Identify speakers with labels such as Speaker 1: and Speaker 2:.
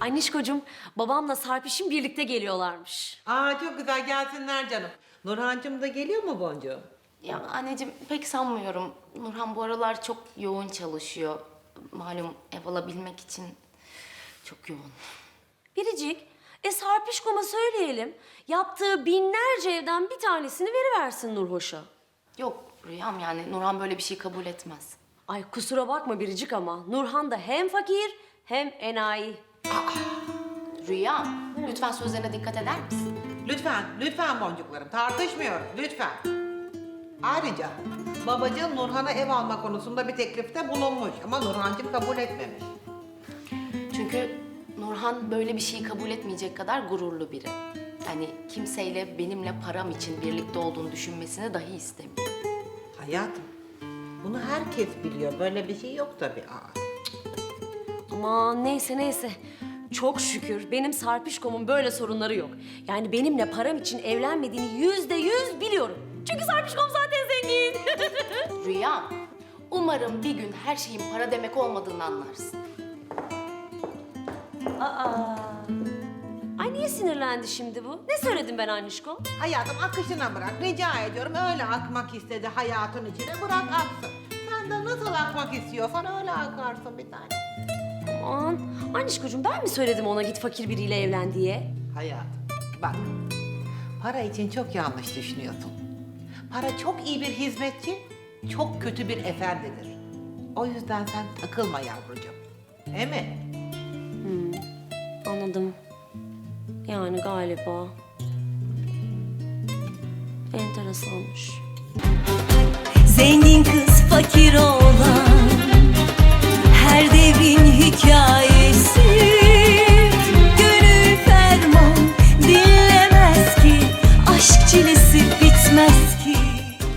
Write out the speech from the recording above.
Speaker 1: Annişkocuğum, babamla Sarpiş'in birlikte geliyorlarmış.
Speaker 2: Aa çok güzel gelsinler canım. Nurhancığım da geliyor mu Boncuğum?
Speaker 3: Ya anneciğim pek sanmıyorum. Nurhan bu aralar çok yoğun çalışıyor. Malum ev alabilmek için çok yoğun.
Speaker 1: Biricik, Sarpişkom'a söyleyelim. Yaptığı binlerce evden bir tanesini veriversin Nurhoş'a.
Speaker 3: Yok Rüyam, yani Nurhan böyle bir şey kabul etmez.
Speaker 1: Ay kusura bakma Biricik ama Nurhan da hem fakir hem enayi.
Speaker 3: Rüyam, lütfen sözlerine dikkat eder misin?
Speaker 2: Lütfen, lütfen boncuklarım. Tartışmıyoruz, lütfen. Ayrıca babacığım Nurhan'a ev alma konusunda bir teklifte bulunmuş ama Nurhancığım kabul etmemiş.
Speaker 3: Çünkü Nurhan böyle bir şeyi kabul etmeyecek kadar gururlu biri. Hani kimseyle benimle param için birlikte olduğunu düşünmesini dahi istemiyor.
Speaker 2: Hayatım, bunu herkes biliyor. Böyle bir şey yok tabii.
Speaker 1: Aman neyse. Çok şükür benim Sarpişkom'un böyle sorunları yok. Yani benimle param için evlenmediğini %100 biliyorum. Çünkü Sarpişkom zaten zengin.
Speaker 3: Rüyam, umarım bir gün her şeyin para demek olmadığını anlarsın.
Speaker 1: Ay niye sinirlendi şimdi bu? Ne söyledim ben Annişko?
Speaker 2: Hayatım akışına bırak. Rica ediyorum. Öyle akmak istedi hayatın içine. Bırak aksın. Sen de nasıl akmak istiyorsan öyle akarsın bir tane.
Speaker 1: Aman Annişkocuğum ben mi söyledim ona git fakir biriyle evlen diye?
Speaker 2: Hayatım bak. Para için çok yanlış düşünüyorsun. Para çok iyi bir hizmetçi, çok kötü bir efendidir. O yüzden sen takılma yavrucuğum. Değil mi?
Speaker 1: Anladım. Yani galiba. Enteresanmış.
Speaker 4: Zengin kız fakir olan her devrin hikayesi.